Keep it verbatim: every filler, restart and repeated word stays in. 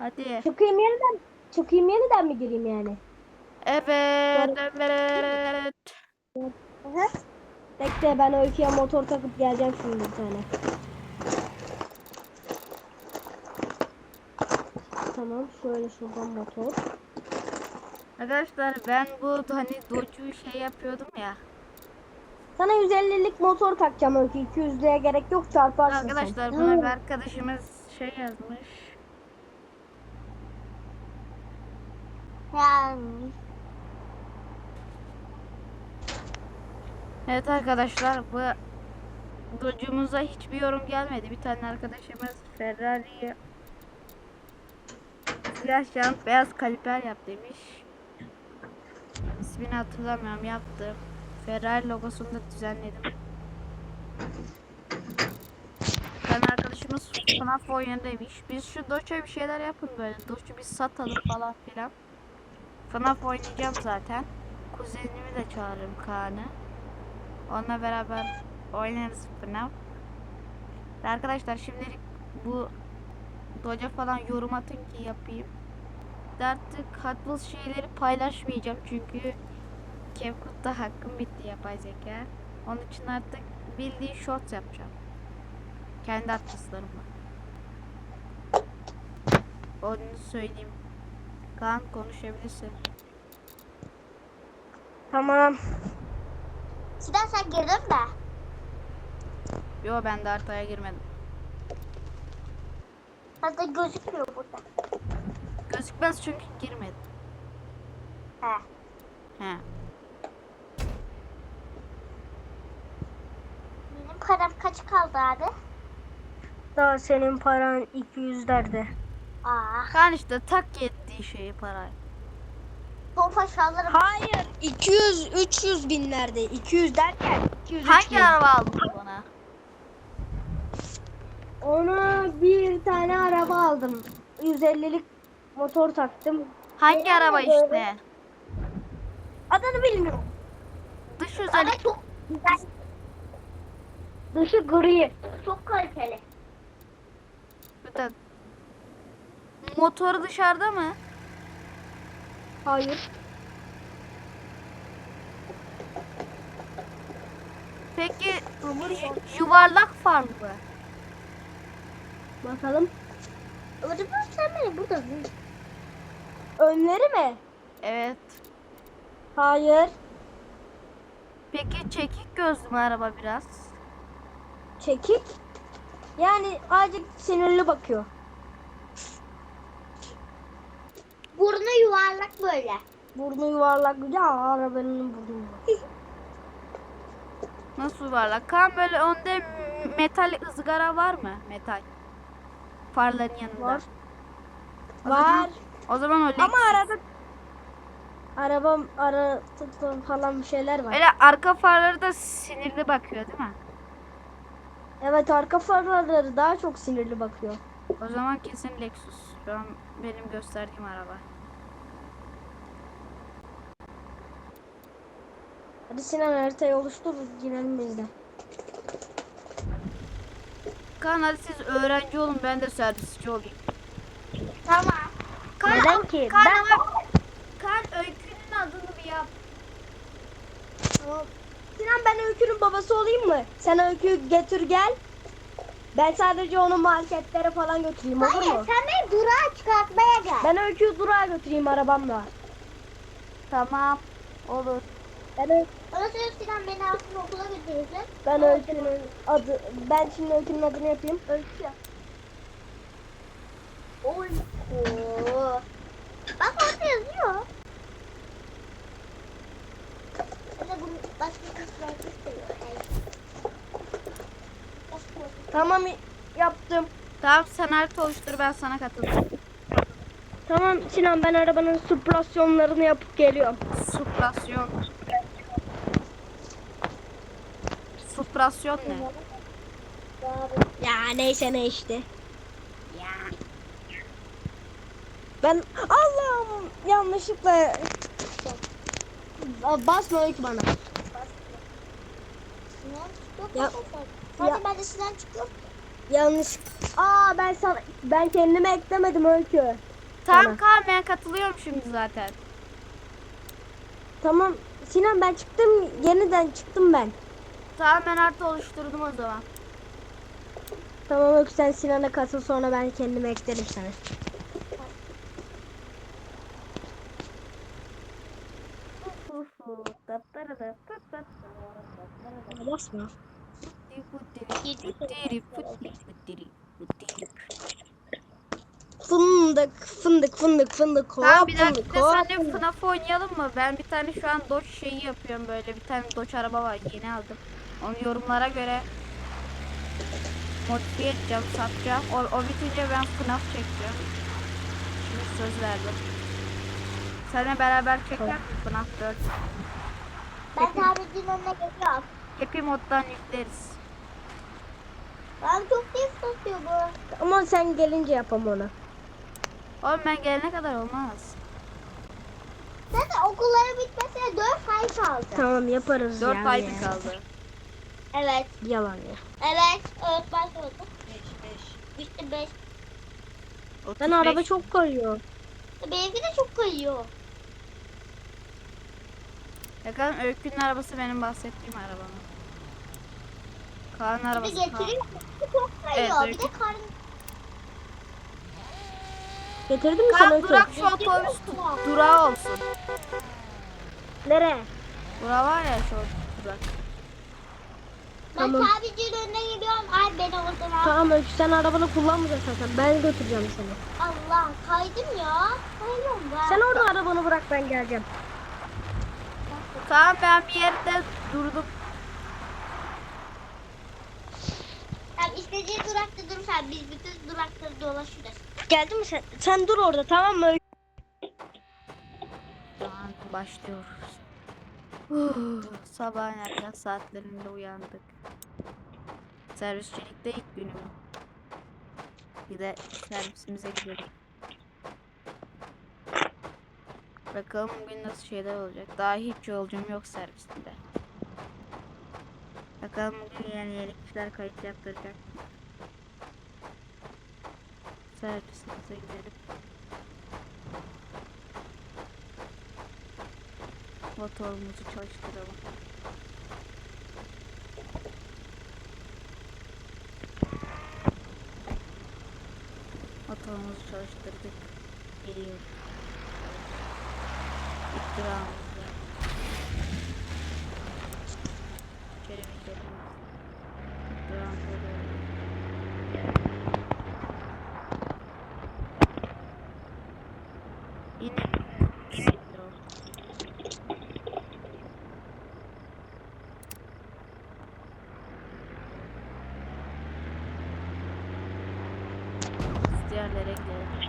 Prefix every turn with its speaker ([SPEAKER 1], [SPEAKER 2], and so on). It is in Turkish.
[SPEAKER 1] Hadi.
[SPEAKER 2] Çıkayım yeniden. Çıkayım yeniden mi gireyim yani?
[SPEAKER 1] Evet,
[SPEAKER 2] Sonra...
[SPEAKER 1] evet.
[SPEAKER 2] Aha. Bekle ben Öykü'ye motor takıp geleceğim şimdi bir tane. Tamam şöyle şuradan motor.
[SPEAKER 1] Arkadaşlar ben bu hani docu şey yapıyordum ya.
[SPEAKER 2] Sana yüz ellilik motor takacağım Öykü. iki yüzlüğe gerek yok çarparsın sen.
[SPEAKER 1] Arkadaşlar buna bir arkadaşımız şey yazmış.
[SPEAKER 3] Yani.
[SPEAKER 1] Evet arkadaşlar bu documuza hiçbir yorum gelmedi. Bir tane arkadaşımız Ferrari'ye siyah jant beyaz kaliper yap demiş. İsmini hatırlamıyorum, yaptım. Ferrari logosunu da düzenledim. Bir tane arkadaşımız F N A F oyunu demiş. Biz şu Doç'a bir şeyler yapın böyle. Doç'u biz satalım falan filan. F N A F oynayacağım zaten. Kuzenimi de çağırırım, Kaan'ı. Onunla beraber oynarız F N A F. Ve arkadaşlar şimdilik bu Doç'a falan yorum atın ki yapayım. De artık Hot Wheels şeyleri paylaşmayacağım çünkü CapCut'ta hakkım bitti yapay zeka. Onun için artık bildiğin shorts yapacağım. Kendi atlaslarımla. Onu söyleyeyim. Kaan konuşabilirsin.
[SPEAKER 2] Tamam.
[SPEAKER 3] Sinan sen girdin mi?
[SPEAKER 1] Yo, ben de haritaya girmedim.
[SPEAKER 3] Hatta gözükmüyor burada.
[SPEAKER 1] Gözükmez çünkü girmedim.
[SPEAKER 3] He.
[SPEAKER 1] He.
[SPEAKER 3] Benim param kaç kaldı abi?
[SPEAKER 2] Daha senin paran iki yüzlerde.
[SPEAKER 3] Aa.
[SPEAKER 1] Kaan işte tak ettiği şeyi parayı.
[SPEAKER 3] Tofaş alırım.
[SPEAKER 2] Hayır iki yüz üç yüz binlerde. iki yüz derken iki yüz üç
[SPEAKER 1] Hangi
[SPEAKER 2] bin.
[SPEAKER 1] araba aldın bana?
[SPEAKER 2] Ona bir tane araba aldım. yüz ellilik motor taktım.
[SPEAKER 1] Hangi
[SPEAKER 2] Neden
[SPEAKER 1] araba
[SPEAKER 2] de böyle?
[SPEAKER 1] işte?
[SPEAKER 2] Adını bilmiyorum.
[SPEAKER 1] Dış
[SPEAKER 3] Ama
[SPEAKER 1] özellik.
[SPEAKER 3] çok güzel.
[SPEAKER 2] Dışı gri.
[SPEAKER 3] Çok kaliteli.
[SPEAKER 1] Bir de motoru dışarıda mı?
[SPEAKER 2] Hayır.
[SPEAKER 1] Peki
[SPEAKER 2] Hamur var.
[SPEAKER 1] yuvarlak farlı mı?
[SPEAKER 2] Bakalım.
[SPEAKER 3] Ödüm sen beni burada.
[SPEAKER 2] Önleri mi?
[SPEAKER 1] Evet.
[SPEAKER 2] Hayır.
[SPEAKER 1] Peki çekik gözlü mü araba biraz?
[SPEAKER 2] Çekik. Yani azıcık sinirli bakıyor.
[SPEAKER 3] Burnu yuvarlak böyle.
[SPEAKER 2] Burnu yuvarlak. Ya arabanın burnu yuvarlak.
[SPEAKER 1] Nasıl yuvarlak? Kaan böyle önde metal ızgara var mı? Metal. Farların yanında.
[SPEAKER 2] Var.
[SPEAKER 1] O
[SPEAKER 2] Var.
[SPEAKER 1] Zaman, o zaman o
[SPEAKER 2] Ama
[SPEAKER 1] Lexus.
[SPEAKER 2] arada arabam ara tı- falan bir şeyler var.
[SPEAKER 1] Öyle arka farları da sinirli bakıyor değil mi?
[SPEAKER 2] Evet arka farları daha çok sinirli bakıyor.
[SPEAKER 1] O zaman kesin Lexus. Şu an benim gösterdiğim araba.
[SPEAKER 2] Hadi Sinan haritayı oluştur girelim biz de.
[SPEAKER 1] Kaan hadi siz öğrenci olun, ben de servisçi olayım.
[SPEAKER 3] Tamam.
[SPEAKER 1] Kaan,
[SPEAKER 2] Neden ki?
[SPEAKER 1] Kaan,
[SPEAKER 2] Ben-
[SPEAKER 1] ama- Kaan öykünün adını bir yap.
[SPEAKER 2] Tamam. Sinan ben Öykü'nün babası olayım mı? Sen Öykü'yü getir gel. Ben sadece onu marketlere falan götüreyim olur
[SPEAKER 3] Hayır
[SPEAKER 2] mu?
[SPEAKER 3] sen beni durağa çıkartmaya gel.
[SPEAKER 2] Ben Öykü'yü durağa götüreyim arabamla.
[SPEAKER 1] Tamam. Olur.
[SPEAKER 2] Ben, Ö-
[SPEAKER 3] Ondan sonra Sinan beni aslında okula götürürsün.
[SPEAKER 2] ben Öykü'nün adı, ben şimdi Öykü'nün adını yapayım. Öykü.
[SPEAKER 3] Oy. Oo. Bak orada yazıyor. Ben de bunu başka kızlar istiyor.
[SPEAKER 2] Tamam yaptım.
[SPEAKER 1] Tamam, sen harita oluştur, ben sana katılırım.
[SPEAKER 2] Tamam Sinan ben arabanın süprasyonlarını yapıp geliyorum.
[SPEAKER 1] Suprasyon. Suprasyon ne?
[SPEAKER 2] Ya neyse ne işte.
[SPEAKER 1] Ya.
[SPEAKER 2] Ben Allah'ım yanlışlıkla basma Öykü bana.
[SPEAKER 3] Sinan çıkıyor.
[SPEAKER 2] Ya-
[SPEAKER 3] Hadi
[SPEAKER 2] ya-
[SPEAKER 3] ben de Sinan çıkıyorum.
[SPEAKER 2] Yanlış. Aa ben sana ben kendime eklemedim Öykü.
[SPEAKER 1] Tamam
[SPEAKER 2] Sana.
[SPEAKER 1] Kaan, ben katılıyorum şimdi zaten.
[SPEAKER 2] Tamam. Sinan ben çıktım. Yeniden çıktım ben.
[SPEAKER 1] Tamam, ben artı oluşturdum o zaman.
[SPEAKER 2] Tamam Öykü, sen Sinan'a katıl, sonra ben kendime eklerim seni. Basma. Fındık fındık fındık fındık
[SPEAKER 1] Tamam,
[SPEAKER 2] hop
[SPEAKER 1] bir
[SPEAKER 2] fındık
[SPEAKER 1] dahakine
[SPEAKER 2] hop
[SPEAKER 1] seninle
[SPEAKER 2] fındık.
[SPEAKER 1] FNAF oynayalım mı? Ben bir tane şu an Dodge şeyi yapıyorum böyle. Bir tane Dodge araba var, yeni aldım. Onu yorumlara göre modifiye edeceğim, satacağım. O, o bitince ben FNAF çekeceğim. Şimdi söz verdim. Seninle beraber çeker misin FNAF dört?
[SPEAKER 3] Ben tamircinin önüne geliyorum.
[SPEAKER 1] Happy moddan yükleriz.
[SPEAKER 3] Ben çok iyi satıyor bu.
[SPEAKER 2] Ama sen gelince yapam onu.
[SPEAKER 1] Oğlum ben gelene kadar olmaz.
[SPEAKER 3] Zaten okulların bitmesine dört ay kaldı.
[SPEAKER 2] Tamam yaparız
[SPEAKER 1] dört
[SPEAKER 2] ya.
[SPEAKER 1] ay
[SPEAKER 2] ya.
[SPEAKER 1] mı kaldı?
[SPEAKER 3] Evet.
[SPEAKER 2] Yalan ya.
[SPEAKER 3] Evet. Evet başladı. beş beş. Bitti beş.
[SPEAKER 2] Ben
[SPEAKER 1] otuz beş.
[SPEAKER 2] araba çok kayıyor.
[SPEAKER 3] Benimki de çok kayıyor.
[SPEAKER 1] Bakalım, Öykü'nün arabası benim bahsettiğim araba mı? Kaan'ın
[SPEAKER 3] Bir de
[SPEAKER 1] arabası Kaan.
[SPEAKER 3] getiriyor. Çok kayıyor.
[SPEAKER 1] Evet,
[SPEAKER 3] bir de karın.
[SPEAKER 2] Getirdim mi sana
[SPEAKER 1] Kaan,
[SPEAKER 2] Öykü?
[SPEAKER 1] durak şu otobüs du- durağı olsun.
[SPEAKER 2] Nereye?
[SPEAKER 1] Durağı var ya, şu durak.
[SPEAKER 3] Ben
[SPEAKER 2] Tamam.
[SPEAKER 3] tamircinin önüne gidiyorum. Ay beni oradan al.
[SPEAKER 2] Tamam Öykü, sen arabanı kullanmayacaksın zaten. Ben götüreceğim seni.
[SPEAKER 3] Allah kaydım ya. Kayıyorum ben.
[SPEAKER 2] Sen orada arabanı bırak, ben geleceğim.
[SPEAKER 1] Kaan, ben bir yerde durdum.
[SPEAKER 3] Tamam, istediğin durakta durursan biz bütün durakları dolaşırız.
[SPEAKER 2] Geldin mi sen? Sen dur orada, tamam mı Öykü?
[SPEAKER 1] Şu an başlıyoruz. Huh, sabahın erken saatlerinde uyandık. Servisçilikte ilk günüm. Bir de servisimize gidelim. Bakalım bugün nasıl şeyler olacak. Daha hiç yolcum yok servisinde. Bakalım bugün yeni yeni kişiler kayıt yaptıracak. Servisimize gidelim. Motorumuzu çalıştıralım. Motorumuzu çalıştırdık. Geliyoruz. İktiramızda. İçeri mi gidelim? İktiramda doğru. İn. Yok. Biz diğerlere gidelim.